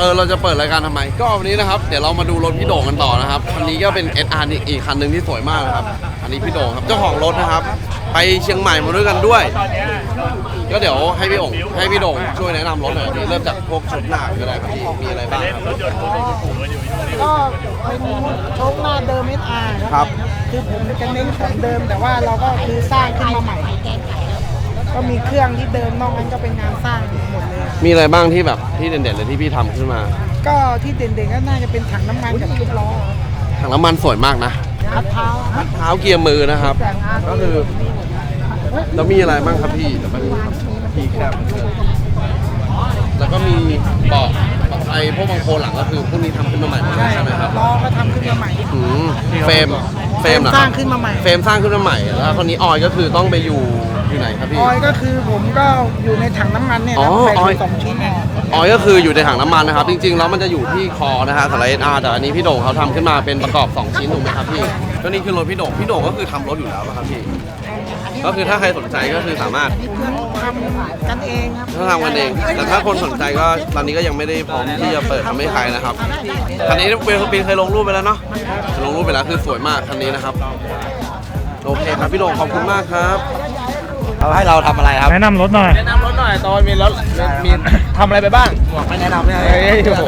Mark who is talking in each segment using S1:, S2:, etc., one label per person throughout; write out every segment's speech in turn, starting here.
S1: เราจะเปิดรายการทำไมก็วันนี้นะครับเดี๋ยวเรามาดูรถพี่โด่งกันต่อนะครับคันนี้ก็เป็น SR อีกคันหนึ่งที่สวยมากนะครับอันนี้พี่โด่งครับเจ้าของรถนะครับไปเชียงใหม่มาด้วยกันด้วยก็เดี๋ยวให้พี่โด่งช่วยแนะนำรถหน่อยเริ่มจากพวกชุดหน้าก็ได้ครับพี่มีอะไรบ้างครับ
S2: ก็เป็นโชคหน้าเดิม SR ครับคือผมจะเน้นของเดิมแต่ว่าเราก็คือสร้างขึ้นมาใหม่ก็มีเครื่องที่เดิมนอกนั้นก็เป็นงานสร้างหมดเลย
S1: มีอะไรบ้างที่แบบที่เด่นๆเลยที่พี่ทำขึ้นมา
S2: ก็ที่เด่นๆก็น่าจะเป็นถังน้ำมันกับชุดล้อ
S1: ถังน้ำมันสวยมากนะ
S2: พัดเท้า
S1: เกียร์มือนะครับก็คือแล้วมีอะไรบ้างครับพี่แต่มันพี่แคบแล้วก็มีเบาะไอ้พวกบังโคหลังก็คือพวกนี้ทำขึ้นมาใหม่ใช่ไหมครับ
S2: ล้อก็ทำขึ้นมาใหม่
S1: เฟรม
S2: สร้างขึ้นมาใหม่
S1: เฟรมสร้างขึ้นมาใหม่แล้วคนนี้ออยก็คือต้องไปอยู่ไหนครับพี่
S2: ออยก็คือผมก็อยู่ในถังน้ำมันเนี่ยนะใส่2 ชิ้น
S1: ออยก็คืออยู่ในถังน้ำมันนะครับจริงๆแล้วมันจะอยู่ที่คอนะฮะสำหรับ SR แต่อันนี้พี่โด่งเขาทำขึ้นมาเป็นประกอบ2 ชิ้นถูกไหมครับพี่ก็นี่คือรถพี่โด่งก็คือทำรถอยู่แล้วครับพี่ก็คือถ้าใครสนใจก็คือสามารถ
S2: ทำกันเองครับ
S1: ถ้าทำกันเองแต่ถ้าคนสนใจก็ตอนนี้ก็ยังไม่ได้พร้อมที่จะเปิดทำให้ใครนะครับคันนี้ปีเคยลงรูปไปแล้วเนาะลงรูปไปแล้วคือสวยมากคันนี้นะครับโอเคครับพี่โด่งขอบคุณมากครับเขาให้เราทำอะไรครับ
S3: แนะนำรถหน่อย
S1: ตอนมีรถมีทำอะไรไปบ้าง
S2: ไม่แนะนำเนี่ย
S1: โอ้โห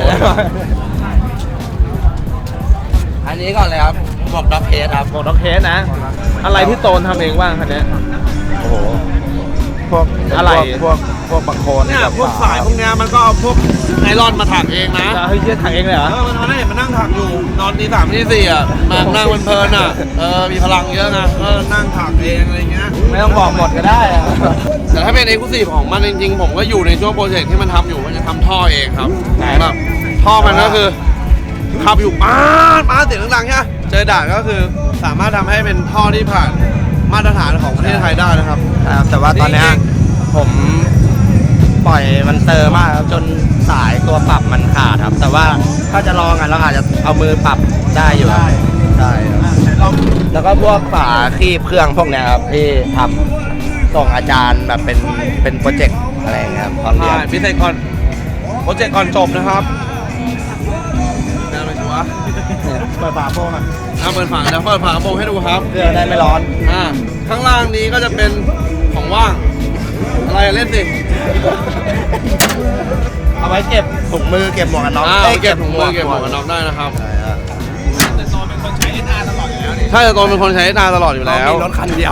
S1: อันนี้ก่อนเลยครับหมวกด็อกเฮดครับ
S3: หมวกด็อกเฮดนะอะไรที่โตนทำเองบ้างคันนี้
S1: โอ้โห
S3: พวกอะไรพวกบังโค
S1: เนี่ยพวกสายพวกเนี้ยมันก็เอาพวกไนลอนมาถักเองนะ
S3: เฮ้ยถักเองเลยเหรอ
S1: มันได้เห็นมันนั่งถักอยู่นอนตี 3 ตี 4อ่ะนั่งเพลินอ่ะมีพลังเยอะนะก็นั่งถักเองอะไรเงี้ย
S3: ไม่ต้องบอกหมดก็ได้
S1: แต่ถ้าเป็นเอกลุศิของมันจริงๆผมก็อยู่ในช่วงโปรเจกต์ที่มันทำอยู่มันจะทำท่อเองครับแบบท่อมันก็คือขับอยู่ป๊าดเสียงดังๆใช่ไหมเจอด่านก็คือสามารถทำให้เป็นท่อที่ผ่านมาตรฐานของประเทศไทยได้นะครับ
S3: แต่ว่าตอนนี้ผมปล่อยมันเตอร์มากครับจนสายตัวปรับมันขาดครับแต่ว่าถ้าจะลองเราอาจจะเอามือปรับได้อยู่ใช่แล้วก็พวกฝาครีบเครื่องพวกนี้ครับที่ทำส่งอาจารย์แบบเป็นโปรเจกต์อะไรอย่างเงี้ยครับตอนเรียน
S1: พิเศษก่อนโปรเจกต์ก่อนจบนะครับอะไรวะ
S3: เปิดฝาโปง
S1: เปิดฝาแล้วเปิดฝาโปงให้ดูครับ
S3: เพื่อได้ไม่ร้อน
S1: ข้างล่างนี้ก็จะเป็นของว่างอะไรเล่นสิ
S3: เอาไว้เก็บถุงมือเก็บหมวกกันน็อก
S1: เก็บถุงมือเก็บหมวกกันน็อกได้นะครับแต่ตอนเป็นคนใช้ SR ตลอดอยู่แล้วใช่แต่ตอนเป็นคนใช้ SR ตลอดอยู่แล้ว
S3: มีรถคันเดียว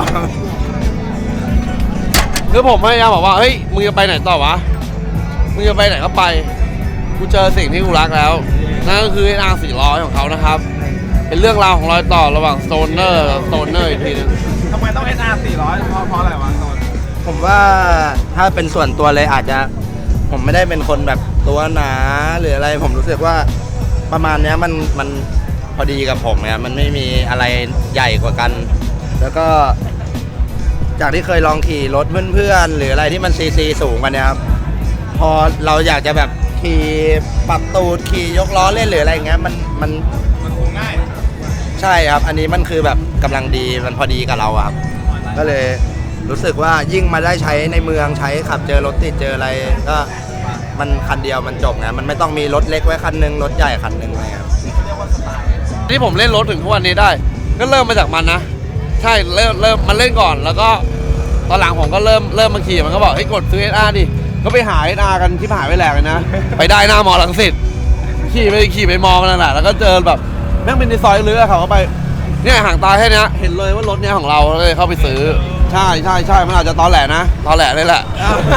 S1: คือผมพยายามบอกว่าเฮ้ยมึงจะไปไหนต่อวะมึงจะไปไหนก็ไปกูเจอสิ่งที่กูรักแล้วนั่นก็คือ SR 400ของเขานะครับเป็นเรื่องราวของรอยต่อระหว่างโซนเนอร์กับโซนเนอร์อีกทีนึง
S3: ทำไมต้อง SR 400เพราะอะไรวะโซนผมว่าถ้าเป็นส่วนตัวเลยอาจจะผมไม่ได้เป็นคนแบบตัวหนาหรืออะไรผมรู้สึกว่าประมาณนี้มันพอดีกับผมเนี่ยมันไม่มีอะไรใหญ่กว่ากันแล้วก็จากที่เคยลองขี่รถเพื่อนๆหรืออะไรที่มันซีสูงกว่านี้ครับพอเราอยากจะแบบขี่ปรับตูดขี่ยกล้อเล่นหรืออะไรเงี้ยมัน
S1: คงง่าย
S3: ใช่ครับอันนี้มันคือแบบกำลังดีมันพอดีกับเราครับก็เลยรู้สึกว่ายิ่งมาได้ใช้ในเมืองใช้ขับเจอรถติดเจออะไรก็มันคันเดียวมันจบนะมันไม่ต้องมีรถเล็กไว้คันนึงรถใหญ่คันนึงอะไรครับ
S1: ที่ผมเล่นรถถึงทุกวันนี้ได้ก็เริ่มมาจากมันนะใช่เริ่มมันเล่นก่อนแล้วก็ตอนหลังผมก็เริ่มมาขี่มันก็บอกให้กดซื้อ SR ดิก็ไปหา SR กันที่หายไปแหลกเลยนะไปได้หน้ามอลังสิตขี่ไปมองนั่นแหละแล้วก็เจอแบบแม่งเป็นในซอยเลื้อเขาก็ไปเนี่ยห่างตาแค่นี้เห็นเลยว่ารถเนี้ยของเราเลยเข้าไปซื้อใช่มันอาจจะตอแหลนะตอแหลเลยแหละ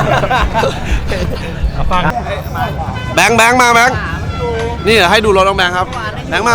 S1: แบงค์มาแบงค์นี่ให้ดูรถน้องแบงค์ครับแบงค์มา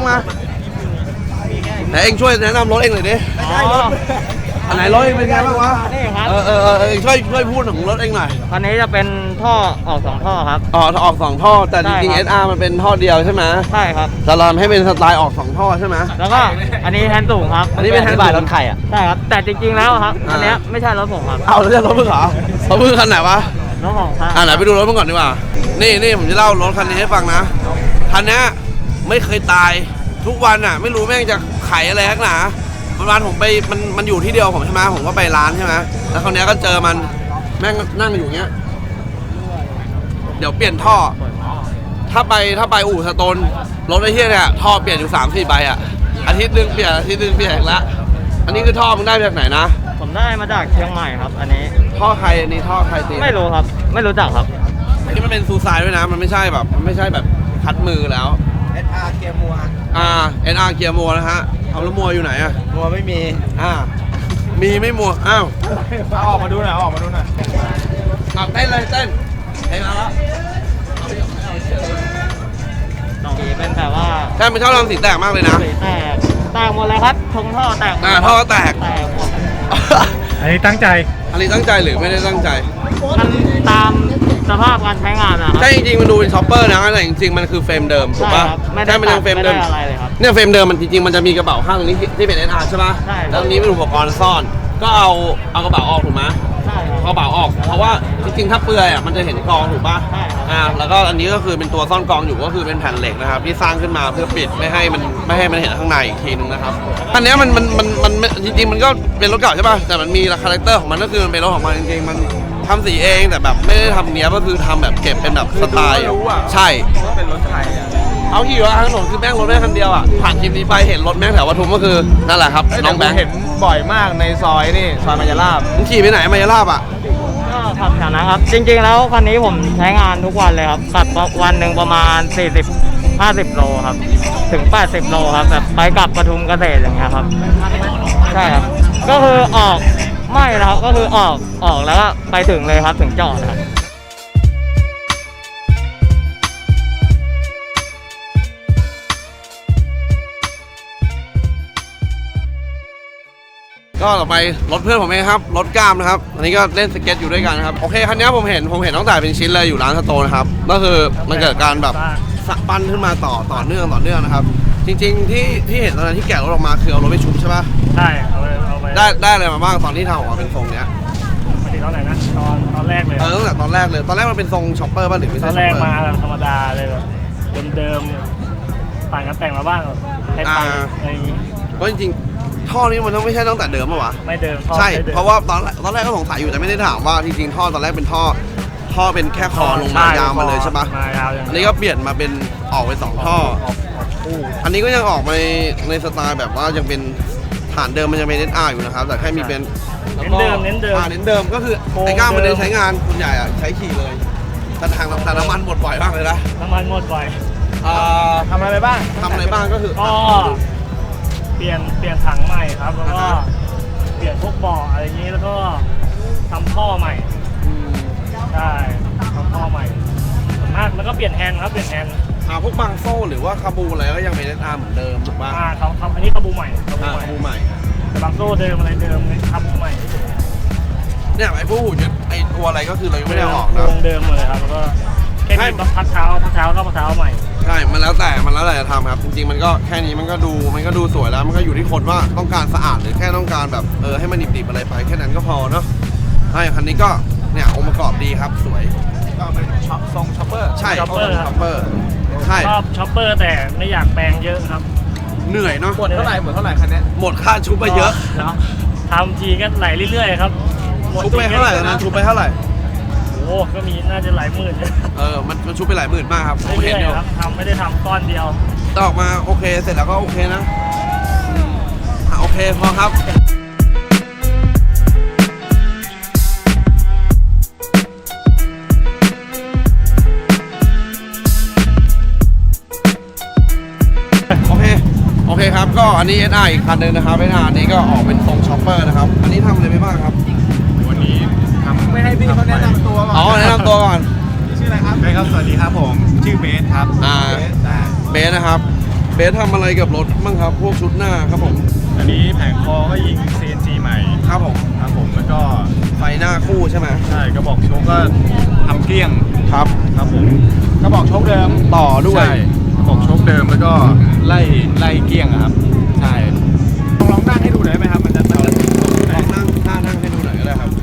S1: ไหนเองช่วยแนะนำรถเองหน่อยดิอันไหนรถเองเป็นไงบ้างวะช่วยพูดถึงรถเองหน่อย
S3: คันนี้จะเป็นท่อออก2ท่อครับ
S1: ออก2ท่อแต่จริงๆ SR มันเป็นท่อเดียวใช่ไหม
S3: ใช่ครับ
S1: จะทำให้เป็นสไตล์ออก2ท่อใช่ไหม
S3: แล้วก็อันนี้แฮนด์สูงครับ
S1: อันนี้เป็นแฮนด์สูง
S3: รถไข่อ่ะใช่ครับแต่จริงๆแล้วครับอันนี้ไม่ใช่รถผมครับ
S1: เอาแล้วจะรถมึงเหรอรถมึงคันไหนวะ
S3: รถของครับ
S1: ไหนไปดูรถมึงก่อนดีกว่านี่ผมจะเล่ารถคันนี้ให้ฟังนะคันนี้ไม่เคยตายทุกวันอ่ะไม่รู้แม่งจะไขอะไรนักหนาวันผมไปมันอยู่ที่เดียวผมใช่ไหมผมก็ไปร้านใช่ไหมแล้วคราวนี้ก็เจอมันแม่งนั่งอยู่เงี้ยเดี๋ยวเปลี่ยนท่อถ้าไปอู่สโตนรถไอ้เหี้ยเนี่ยท่อเปลี่ยนอยู่3-4 ใบอ่ะอาทิตย์หนึงเปลี่ยนอาทิตย์หนึงเปลี่ยนอีกละอันนี้คือท่อมึงได้มาจากไหนนะ
S4: ผมได้มาจากเชียงใหม่ครับ อันนี้
S1: ท่อใครอันนี้ท่อใครตี
S4: ไม่รู้ครับ ไม่รู้จักครับ
S1: อันนี้มันเป็นซูซายด้วยนะมันไม่ใช่แบบคัดมือแล้ว
S3: SR เกียร์มัว
S1: NR เกียร์มัวนะฮะเอาแล้วมัวอยู่ไหนอ่ะ
S3: มัวไม่มี
S1: มีไม่มัวอ้าว
S3: เอาออกมาดูหน่อยเอาออกมาดูหน่อย
S1: เต้นเลยเต้นเพลงมาแล้ว
S4: สีเป็นแบบว่า
S1: ใช่มันชอบทำสีแตกมากเลยนะ
S4: สีแตกหมดเลยครับทงท่อแตกหมด
S1: ท่อแตก
S4: แตกหมด
S5: อันนี้ตั้งใจ
S1: อันนี้ตั้งใจหรือไม่ได้ตั้งใจ
S4: มันตามสภาพการใช้งานนะครับ
S1: ใช่จริงๆมันดูเป็นช็อปเปอร์นะแต่จริงๆมันคือเฟรมเดิมถูก
S4: ใช่
S1: ปะ
S4: ครับไม่ได้
S1: ใช่มันยังเฟรมเดิม
S4: ไม่ได้อะไรเลยครับ
S1: เนี่ยเฟรมเดิมมันจริงๆมันจะมีกระเป๋าข้างตรงนี้ที่เป็น NR ใช่ปะ
S4: ใช่ครับ
S1: แล้วตรงนี้เป็นอุปกรณ์ซ่อน ก็เอากระเป๋าออกถูกไหม
S4: ใช่ครับ
S1: เอากระเป๋าออก เพราะว่าจริงๆถ้าเปลือยอ่ะมันจะเห็นกองถูกปะ
S4: ใช่ครับ
S1: แล้วก็อันนี้ก็คือเป็นตัวซ่อนกองอยู่ก็คือเป็นแผ่นเหล็กนะครับที่สร้างขึ้นมาเพื่อปิดไม่ให้มันเห็นข้างในอีกทีนึงนะครับอันเนี้ยมันจริงๆมันก็เป็นรถเก่าใช่ปะแต่มันมีคาแรคเตอร์ของมันก็คือมันเป็นรถของมันจริงๆมันทำสีเองแต่แบบไม่ได้ทำเนี้ยก็คือทำแบบเก็บเป็นแบบสไตล์ใช่
S3: ว่าเป็นรถไทยอ่ะ
S1: เอาขี่ว่าทางถนนคือแม่งรถแม่งคันเดียวอ่ะผ่านคลิปนี้ไปเห็นรถแม่งแถวปทุมก็คือนั่นแหละครับน้องแบงค์
S3: เห็นบ่อยมากในซอยนี่ซอยมายาลาบ
S1: มึงขี่ไปไหนมายาลาบอ่ะ
S4: ก็ขับแถวนั้นครับ จริงๆแล้วคันนี้ผมใช้งานทุกวันเลยครับขับวันหนึ่งประมาณ 40-50 โลครับ ถึง 80 โลครับแบบไปกลับปทุมเกษตรอย่างเงี้ยครับ ใช่ครับ ก็คือออกไม่นะครับก็คือออกแล้วก็ไปถึงเลยครับถึงจอดครับ
S1: ก็ต่อไปรถเพื่อนผมเองครับรถกล้ามนะครับอันนี้ก็เล่นสเก็ตอยู่ด้วยกันนะครับโอเคคันนี้ผมเห็นตั้งแต่เป็นชิ้นเลยอยู่ร้านสโตนนะครับก็คือมันเกิดการแบบสักปั้นขึ้นมาต่อเนื่องนะครับจริงๆที่เห็นตอนนั้นที่แกะรถออกมาคือเอารถไปชุบใช่ปะ
S5: ใช่เอาไป
S1: ได้อะไรมาบ้างตอนที่ทำออกมาเป็นทรงเนี้ย
S5: ปกติตอนไหนนะตอนแรกเลย
S1: ตั้งแต่ตอนแรกเลยตอนแรกมันเป็นทรงช็อปเปอร์ป่ะหรือไม่
S5: ต
S1: ใช่
S5: อน
S1: ช็อป
S5: แรก
S1: เปอร์
S5: มาแบบธรรมดาเลยแบบเดิมๆต่างกันแต่งมาบ้างไทยๆอะไรอย่างงี้
S1: ก็จริงๆท่อนี้มันต้องไม่ใช่ตั้งแต่เดิมป่ะวะ
S5: ไม่เดิมท่อ
S1: ใช่
S5: ไม่ดิม
S1: เพราะว่าตอนแรกก็สงสัยอยู่แต่ไม่ได้ถามว่าจริงๆท่อตอนแรกเป็นท่อเป็นแค่คอลงมายาวมาเลยใช่ปะ
S5: มายาวอย่าง
S1: อันนี้ก็เปลี่ยนมาเป็นออกไป2 ท่อ
S5: คู่
S1: อันนี้ก็ยังออกมาในสไตล์แบบว่ายังเป็นฐานเดิมมันยังเป็น NR อยู่นะครับ แต่แค่มีเป็น
S5: เน้นเดิม
S1: เน้นเดิมก็คือไอ้ก้ามมันได้ใช้งานคุณใหญ่อะใช้ขี่เลยแต่ทางแต่น้ำมันหมดบ่อยมากเลยนะ
S5: น้ำมันหมดบ่อย
S3: ทำอะไรไปบ้าง
S1: ทำอะไรบ้างก็คือ
S5: ก็เปลี่ยนถังใหม่ครับแล้วก็เปลี่ยนพวกเบาะอะไรอย่างนี้แล้วก็ทำท่อใหม่ ใช่ทำท่อใหม่ส่วนมากแล้วก็เปลี่ยนแฮนด์ครับเปลี่ยนแฮนด์
S1: พวกบางโซ่หรือว่าคาบูอะไรก็ยังเป็น NR เหมือนเดิมถูกป่ะ
S5: ครับอันนี้คาบูใหม่คาบูใหม่
S1: คาบูใหม่
S5: แต่บางโซ่เดิมอะไรเดิมคาบูใหม่
S1: เนี่ยไอ้พวกหูยึดไอ้ตัวอะไรก็คือเรายังไม่ได้เอาออกนะ
S5: วงเดิมหมดเลยครับแล้วก็แค่มีพักเท้าก็พักเท้าใหม่
S1: ใช่มันแล้วแต่จะทำครับจริงๆมันก็แค่นี้มันก็ดูสวยแล้วมันก็อยู่ที่คนว่าต้องการสะอาดหรือแค่ต้องการแบบให้มันดิบๆอะไรไปแค่นั้นก็พอเนาะใช่คันนี้ก็เนี่ยองค์ประกอบดีครับสวย
S3: ก็เป็นทรงช็อปเปอร์
S1: ใช่
S5: ช็อปเปอร์ครับ
S1: ช็อปเปอร์ใช่
S5: ชอบช็อปเปอร์แต่ไม่อยากแปลงเยอะครับ
S1: เหนื่อยเนาะ
S3: หมดเท่าไหร่คันเนี้ย
S1: หมดค่าชุบไปเยอะ
S5: ทำทีก็ไหลเรื่อยๆครับหมด
S1: ชุบไปเท่าไหร่ตอนนั้นชุบไปเท่าไหร่
S5: โอ้ก็มีน่าจะหลายหมื่น
S1: มันชุบไปหลายหมื่นมากครับผมเห็
S5: เรื่
S1: น
S5: อย
S1: อยู่
S5: ๆครับทำไม่ได้ทำก้อนเดียว
S1: แต่ออกมาโอเคเสร็จแล้วก็โอเคนะโอเคพอครับโอเคครับก็อันนี้ NR อีกคันหนึงนะครับ NR นี้ก็ออกเป็นทรงช็อปเปอร์นะครับอันนี้ทำอะไรไปบ้างครับ
S6: วันนี้ทำ
S3: ไม่ให้พี่เขาแนะนำตัวก่อน
S1: อ๋อแนะนำตัวก่อน
S3: ชื่ออะไรครับ
S6: ครับสวัสดีครับผมชื่อเบสครับ
S1: เบสนะครับเบสทำอะไรกับรถบ้างครับพวกชุดหน้าครับผม
S6: อันนี้แผงคอก็ยิง CNC ใหม่
S1: ครับผม
S6: ครับผมแล้วก็
S1: ไฟหน้าคู่ใช่ไหม
S6: ใช่กระบอกโชกก็ทำเกลี้ยง
S1: ครับ
S6: ครับผม
S3: กระบอกโชคเดิม
S1: ต่อด้วย
S6: ใช่กระบอกโชกเดิมแล้วก็ไล่เกลี้ยงอะครับใช่
S3: ลองนั่งให้ดูหน่อยได้ไหมครับมันจะ
S1: ลองนั่งให้ดูหน่อยก็ได้ครับ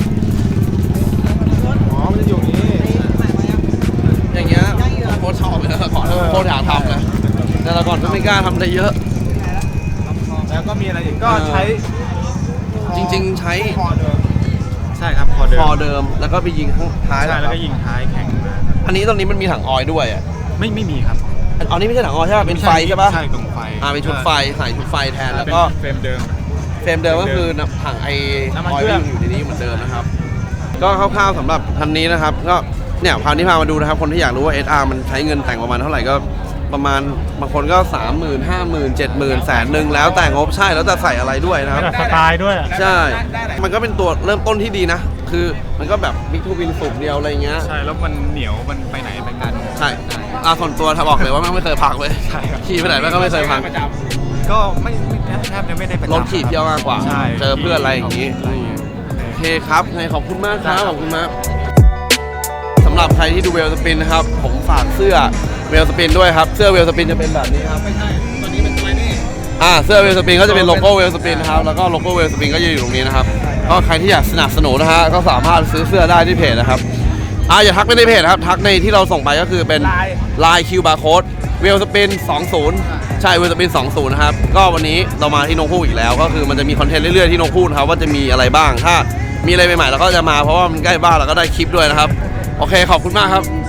S3: อ๋อมันจะอยู่นี้
S1: อย่างเงี้ยโคตรชอบเลยนะแต่ก่อนโคตรอยากทำเลยแต่ละก่อนก็ไม่กล้าทำได้เยอะ
S3: แล้วก็มีอะไรอีกก็ใช้
S1: จริงๆใช้
S3: คอเดิม
S6: ใช่ครับคอเดิม
S1: คอเดิมแล้วก็ไปยิงข้างท้าย
S6: ใช่
S1: นะค
S6: แล้ว
S1: รับ
S6: ก็ยิงท้ายแข็งมา
S1: อันนี้ตอนนี้มันมีถังออยล์ด้วยอ่ะ
S6: ไม่มีครับ
S1: อันนี้ไม่ใช่หนังออใช่ป่ะเป็นไฟใช่ป่ะ
S6: ใช่กล่องไฟ
S1: เป็นชุดไฟใส่ชุดไฟแทนแล้วก็
S6: เฟรมเดิม
S1: เฟรมเดิมก็คือถังไอ
S6: น้ำมัน
S1: ออย
S6: เครื่
S1: ล์
S6: อง
S1: อยู่ในนี้เหมือนเดิมนะครับ ก็คร่าวๆสำหรับคันนี้นะครับ ก็เนี่ยพาที่พามาดูนะครับคนที่อยากรู้ว่า SR มันใช้เงินแต่งประมาณเท่าไหร่ก็ประมาณบางคนก็ 30,000 50,000 70,000แสนหนึ่งแล้วแต่งบใช่แล้วแต่ใส่อะไรด้วยนะครับ
S5: สไตล์ด้วย
S1: ใช่ มันก็เป็นตัวเริ่มต้นที่ดีนะ คือมันก็แบบบิ๊กทูวินสูบเดียวอะไรเงี้ย
S6: ใช่แล้วมันเหนียวมันไปไหนไปกัน
S1: ใช่ส่วนตัวถ้าบอกเลยว่าไม่เคยพังเลย
S6: ใช่ครับ
S1: ขี่ไปไหนก็ไม่เคยพัง
S6: ก็ไม่แทบจะไม่ได้ประจำ
S1: รถขี่เที่ยวมากกว่า
S6: ใช่
S1: เจอเพื่อนอะไรอย่างงี้
S6: อะไรอย่างงี้
S1: โอเคครับไงขอบคุณมากครับ ขอบคุณมากสำหรับใครที่ดูเวลสปินนะครับ ผมฝากเสื้อเวลสปินด้วยครับ เสื้อเวลสปินจะเป็นแบบนี้ครับ เสื้อเวลสปินก็จะเป็นโลโก้เวลสปินนะครับ แล้วก็โลโก้เวลสปินก็จะอยู่ตรงนี้นะครับ ก็ใครที่อยากสนับสนุนนะฮะ ก็สามารถซื้อเสื้อได้ที่เพจนะครับ อย่าทักไปในเพจนะครับ ทักในที่เราส่งไปก็คือเป็นลายคิวบาร์โค้ดเวลสปิน20 ใช่เวลสปิน20นะครับ ก็วันนี้เรามาที่นกฮูกอีกแล้ว ก็คือมันจะมีคอนเทนต์เรื่อยๆที่นกฮูกนะครับว่าจะมีอะไรบ้าง ถ้ามีอะไรใหม่ๆเราก็จะมาเพราะว่ามันใกล้บ้านเราก็ได้คลิปด้วยนะครับ โอเคขอบคุณมากครับ